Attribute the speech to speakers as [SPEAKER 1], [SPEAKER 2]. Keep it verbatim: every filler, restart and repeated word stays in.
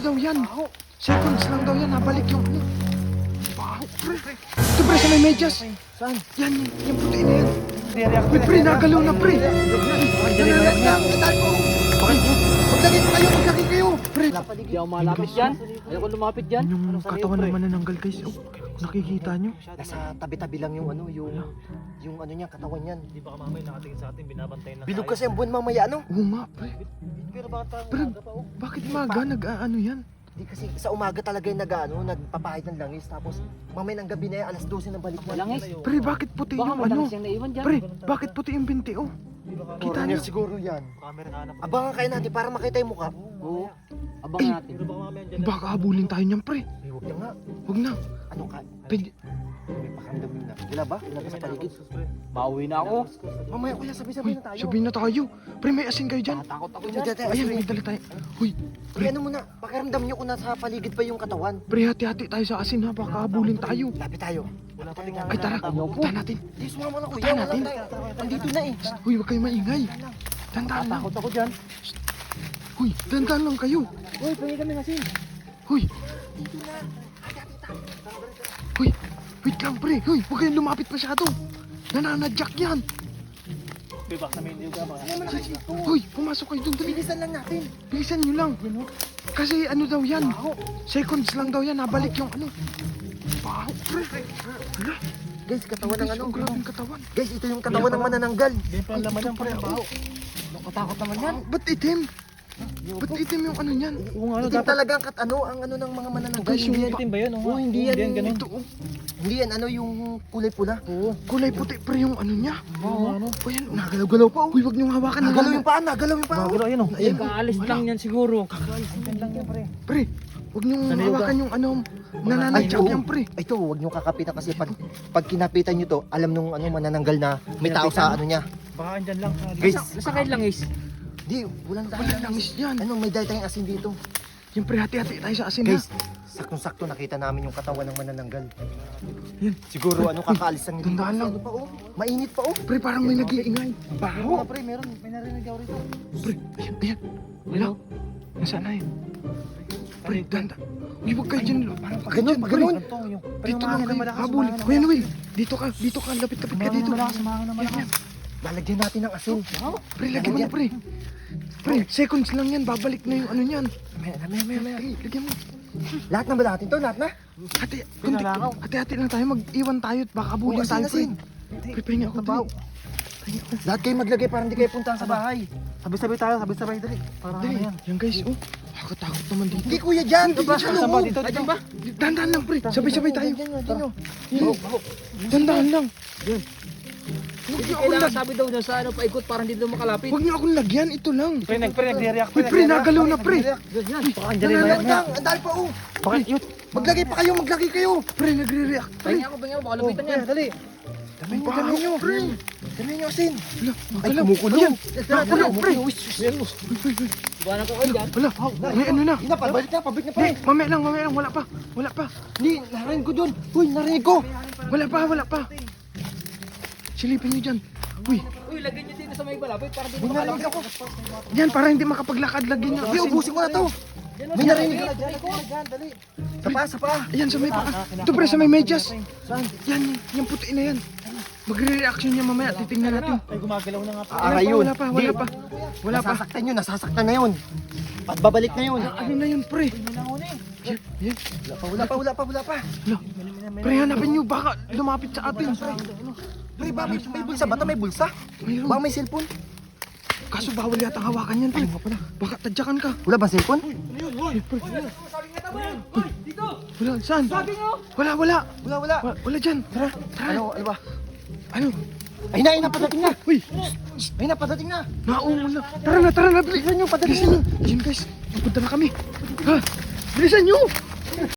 [SPEAKER 1] daw yan? Seconds lang daw yan, nabalik yung ano. Baho, pre. Ito pre, sa may medyas.
[SPEAKER 2] Saan?
[SPEAKER 1] Yan, yung puti na yan.
[SPEAKER 2] React
[SPEAKER 1] Uy, pre, nagalaw na, pre.
[SPEAKER 2] Nananag na. Andal po. Bakit? Maglagay pa kayo, maglagay kayo.
[SPEAKER 1] Pre,
[SPEAKER 3] Hindi ako malapit dyan. Ayoko lumapit dyan.
[SPEAKER 1] yung katawan ng manananggal, guys. Oh, nakikita nyo?
[SPEAKER 2] Nasa tabi-tabi lang yung ano, yung yung ano niya, katawan niyan.
[SPEAKER 4] Di ba mamaya nakatingin sa atin, binabantay na
[SPEAKER 2] Bilog kasi ang buwan mamaya, ano?
[SPEAKER 1] Oo nga, pre.
[SPEAKER 4] Pero bakit parang
[SPEAKER 1] Pre,
[SPEAKER 4] maaga pa oh?
[SPEAKER 1] bakit maga nag-ano yan?
[SPEAKER 2] Di kasi sa umaga talaga yung nag-ano, nagpapahid ng langis. Tapos mamaya ng gabi na yan, alas dose ng balik na.
[SPEAKER 3] Langis.
[SPEAKER 1] Pre, bakit puti
[SPEAKER 3] Baka
[SPEAKER 1] yung
[SPEAKER 3] may
[SPEAKER 1] ano?
[SPEAKER 3] langis yung naiwan dyan.
[SPEAKER 1] Pre, bakit puti yung binti, oh? Kita nyo?
[SPEAKER 2] siguro yan.
[SPEAKER 4] Camera ka na.
[SPEAKER 2] Abangan kayo natin para makita yung mukha.
[SPEAKER 3] Oo. Abangan natin.
[SPEAKER 4] Pero baka mamaya dyan.
[SPEAKER 1] Baka habulin tayo niyan, pre.
[SPEAKER 2] Eh, huwag na nga.
[SPEAKER 1] Huwag na.
[SPEAKER 2] Ano ka?
[SPEAKER 1] Pwede.
[SPEAKER 2] May pakiramdam yun na. Wala ba? Wala ba sa paligid?
[SPEAKER 3] Mauwi na ako.
[SPEAKER 2] Mamaya kuya, sabay-sabay
[SPEAKER 1] Uy,
[SPEAKER 2] na tayo.
[SPEAKER 1] sabihin na tayo. Pre, may asin kayo dyan.
[SPEAKER 3] Takot ako
[SPEAKER 2] Uy,
[SPEAKER 3] dyan.
[SPEAKER 2] dyan, dyan,
[SPEAKER 1] Ayan,
[SPEAKER 2] asin.
[SPEAKER 1] may dala tayo. Uy,
[SPEAKER 2] Pre, ano muna? Pakiramdam nyo kung nasa paligid pa yung katawan.
[SPEAKER 1] pre, hati-hati tayo sa asin ha. Baka habulin tayo.
[SPEAKER 2] Lapit tayo.
[SPEAKER 4] Wala pa rin
[SPEAKER 1] Ay, tara. Punta natin.
[SPEAKER 2] Di, sumama na kuya.
[SPEAKER 1] Puntahan
[SPEAKER 2] Wala
[SPEAKER 1] natin.
[SPEAKER 2] tayo. Andito na eh.
[SPEAKER 1] Uy, huwag kayo maingay. Tandaan lang.
[SPEAKER 3] Takot ako dyan.
[SPEAKER 1] Uy, tandaan lang kayo.
[SPEAKER 3] Uy, pwede kami asin.
[SPEAKER 1] Uy. Uy, wait lang, pre. Uy, huwag kayong lumapit masyado. Nananadyak yan.
[SPEAKER 4] Di ba kami hindi ka ba?
[SPEAKER 1] Uy, pumasok kayo dun. Dali.
[SPEAKER 2] Bilisan lang natin.
[SPEAKER 1] Bilisan nyo lang. Kasi ano daw yan? Seconds lang daw yan. Nabalik yung ano. Baho, pre. Hala.
[SPEAKER 2] Guys, katawan ng
[SPEAKER 1] Guys,
[SPEAKER 2] ano.
[SPEAKER 1] ang grabing katawan.
[SPEAKER 2] Guys, ito yung katawan ng manananggal.
[SPEAKER 4] Ganyan pala naman yan, pre. Baho.
[SPEAKER 3] Nakatakot naman yan.
[SPEAKER 1] Ba't itim? Ba't itim yung ano yan?
[SPEAKER 4] Oo nga, ano
[SPEAKER 2] Ito
[SPEAKER 4] dapat?
[SPEAKER 2] talaga ang kat ano, ang ano ng mga manananggal.
[SPEAKER 1] Guys, yung
[SPEAKER 2] Hindi yan,
[SPEAKER 4] Itim ba yun?
[SPEAKER 2] Oo, hindi yan.
[SPEAKER 4] Hindi yan ganun.
[SPEAKER 1] Ito, oh.
[SPEAKER 2] hindi yan ano yung kulay pula.
[SPEAKER 4] Oo.
[SPEAKER 1] Kulay puti, pre, yung ano niya.
[SPEAKER 4] Oo, ano?
[SPEAKER 1] O yan, nagalaw-galaw pa. Uy, huwag niyong hawakan.
[SPEAKER 2] Nagalaw yung paa, nagalaw yung paa.
[SPEAKER 4] Magalo, ayun oh.
[SPEAKER 3] Ay, kaalis lang yan siguro.
[SPEAKER 4] Yan lang yan, pre.
[SPEAKER 1] Pre, huwag niyong
[SPEAKER 4] Sanay
[SPEAKER 1] hawakan yung ano, nananadyak
[SPEAKER 2] oo.
[SPEAKER 1] yan, pre.
[SPEAKER 2] Ito, huwag niyo kakapitan kasi pag pag kinapitan niyo to, alam nung ano manananggal na may tao sa ano niya.
[SPEAKER 4] Baka andyan lang. sa-
[SPEAKER 2] Guys,
[SPEAKER 3] Nasa kayo langis.
[SPEAKER 2] di, walang
[SPEAKER 1] Wala
[SPEAKER 2] dahil.
[SPEAKER 1] langis yan.
[SPEAKER 2] Ano, may dahil tayong asin dito.
[SPEAKER 1] Yung pre, hati-hati tayo sa asin,
[SPEAKER 2] Guys,
[SPEAKER 1] ha?
[SPEAKER 2] saktong-sakto nakita namin yung katawan ng manananggal.
[SPEAKER 1] Yan.
[SPEAKER 2] Siguro ano kakaalis lang dito.
[SPEAKER 1] Tandaan lang.
[SPEAKER 2] Ano pa oh? Mainit pa oh.
[SPEAKER 1] Pre, parang may nag-iingay.
[SPEAKER 4] Oo
[SPEAKER 1] Baho.
[SPEAKER 4] nga, pre. Meron. May narinig ako rito.
[SPEAKER 1] Pre, ayan, ayan. Wala. Nasaan na yun? Pre, danda. Uy, huwag kayo dyan. Parang pag
[SPEAKER 2] Ganun, pag ganun.
[SPEAKER 4] Ito, yung... Pre,
[SPEAKER 1] Dito
[SPEAKER 4] yung
[SPEAKER 1] lang
[SPEAKER 4] mga
[SPEAKER 1] kayo.
[SPEAKER 4] malakas,
[SPEAKER 1] Habulin.
[SPEAKER 4] mga
[SPEAKER 1] Kuya Noel, dito ka. Dito ka. Lapit-lapit ka dito.
[SPEAKER 4] malakas, mga
[SPEAKER 1] Yan,
[SPEAKER 4] malakas.
[SPEAKER 1] yan.
[SPEAKER 2] Lalagyan natin ng asin.
[SPEAKER 1] Pre, lagyan mo na, pre. Pre, seconds lang yan. Babalik na yung ano niyan.
[SPEAKER 2] Maya, maya, maya, maya.
[SPEAKER 1] Pre, lagyan mo.
[SPEAKER 2] Lahat na ba natin to? Lahat na?
[SPEAKER 1] Hati, kundi, hati-hati lang tayo. Mag-iwan tayo at baka
[SPEAKER 2] Oh,
[SPEAKER 1] habulin
[SPEAKER 2] asin,
[SPEAKER 1] tayo, pre.
[SPEAKER 2] asin.
[SPEAKER 1] Pre, pahinga ako,
[SPEAKER 2] Tabaw.
[SPEAKER 1] dali.
[SPEAKER 2] Lahat kayo maglagay para hindi kayo puntahan sa bahay.
[SPEAKER 4] Sabay-sabay tayo, sabay-sabay. Dali. Para
[SPEAKER 1] Dali.
[SPEAKER 4] ano yan.
[SPEAKER 1] Yan, guys. Oh, nakakatakot naman dito.
[SPEAKER 2] Hindi kuya dyan. Hindi
[SPEAKER 4] Ba,
[SPEAKER 2] dyan.
[SPEAKER 4] saan ba?
[SPEAKER 2] oh.
[SPEAKER 4] Dito, dito.
[SPEAKER 3] ba?
[SPEAKER 1] Dandan lang, pre. Sabay-sabay tayo.
[SPEAKER 2] Dyan nyo, dyan nyo.
[SPEAKER 1] Dandan lang.
[SPEAKER 3] Hindi kailangan sabi daw na sa ano paikot para hindi daw makalapit.
[SPEAKER 1] Huwag niyo akong lagyan. Ito lang.
[SPEAKER 4] Pre, nag- pre, nagre-react.
[SPEAKER 1] Uy, pre, nagalaw na, pre.
[SPEAKER 3] Ganyan.
[SPEAKER 4] Baka andyan rin
[SPEAKER 2] Wala
[SPEAKER 4] yan.
[SPEAKER 2] lang. Ang dahil pa oh.
[SPEAKER 4] Bakit? Yun.
[SPEAKER 2] Maglagay pa kayo, maglagay kayo.
[SPEAKER 1] Pre, nagre-react. Pre,
[SPEAKER 3] Pahinga ako, pahinga ako. Baka lapitan yan.
[SPEAKER 4] Dali.
[SPEAKER 2] Dami nyo,
[SPEAKER 1] Baho,
[SPEAKER 2] dami nyo.
[SPEAKER 1] pre.
[SPEAKER 2] Dami nyo asin.
[SPEAKER 1] Wala,
[SPEAKER 2] Ay,
[SPEAKER 1] magalaw.
[SPEAKER 2] kumukulo.
[SPEAKER 1] Ayan.
[SPEAKER 2] Tara, tara,
[SPEAKER 1] Pre,
[SPEAKER 2] pre.
[SPEAKER 3] Iwanan ko kayo dyan.
[SPEAKER 1] Wala, may ano na.
[SPEAKER 2] Ina, pabalik na, pabalik na pa.
[SPEAKER 1] Hindi, mamaya lang, mamaya lang. Wala pa. Wala pa.
[SPEAKER 2] Hindi, narinig ko dun. Uy, narinig ko.
[SPEAKER 1] Wala pa, wala pa. Silipin niyo dyan. Uy,
[SPEAKER 3] Uy, lagyan nyo dito sa may balapit para hindi
[SPEAKER 2] May
[SPEAKER 3] daw
[SPEAKER 2] narinig
[SPEAKER 3] makalapit.
[SPEAKER 2] ako.
[SPEAKER 1] yan, para hindi makapaglakad. Lagyan niyo.
[SPEAKER 2] Hindi,
[SPEAKER 1] Kasi,
[SPEAKER 2] ubusin ko na to. May narinig ako. Sa paa, sa paa.
[SPEAKER 1] ayan, sa may paa. Ito, pre, sa may medyas.
[SPEAKER 2] Saan?
[SPEAKER 1] Yan, yung puti na yan. Magre-reaction niya mamaya. Titingnan natin.
[SPEAKER 4] Ay, gumagalaw na nga.
[SPEAKER 2] Aaray
[SPEAKER 1] Wala pa,
[SPEAKER 2] yun.
[SPEAKER 1] wala pa, wala
[SPEAKER 2] Hindi.
[SPEAKER 1] pa. Wala pa.
[SPEAKER 2] Nasasaktan yun, nasasaktan na yun. At babalik na yun.
[SPEAKER 1] Ano na yun, pre? Yan, yan.
[SPEAKER 2] Wala pa, wala pa, wala pa, wala pa.
[SPEAKER 1] Wala. Pre, hanapin niyo. Baka lumapit sa atin.
[SPEAKER 2] Pre, ba, may, may bulsa ba? May bulsa?
[SPEAKER 1] Mayroon.
[SPEAKER 2] Baka may cellphone?
[SPEAKER 1] Kaso bawal yata hawakan yan, pre. Baka tadyakan ka.
[SPEAKER 2] Wala ba cellphone?
[SPEAKER 1] Wala, saan? Wala, wala.
[SPEAKER 2] Wala, wala.
[SPEAKER 1] Wala, wala dyan. Tara, tara.
[SPEAKER 2] Ano, ano ba?
[SPEAKER 1] Ano?
[SPEAKER 2] Ay na, ay na, padating na.
[SPEAKER 1] Uy,
[SPEAKER 2] Ay na, padating na.
[SPEAKER 1] naumon na. Tara na, tara na. Bilisan nyo, padalisan nyo. Ayun, guys. Punta na kami. Ha? Bilisan nyo.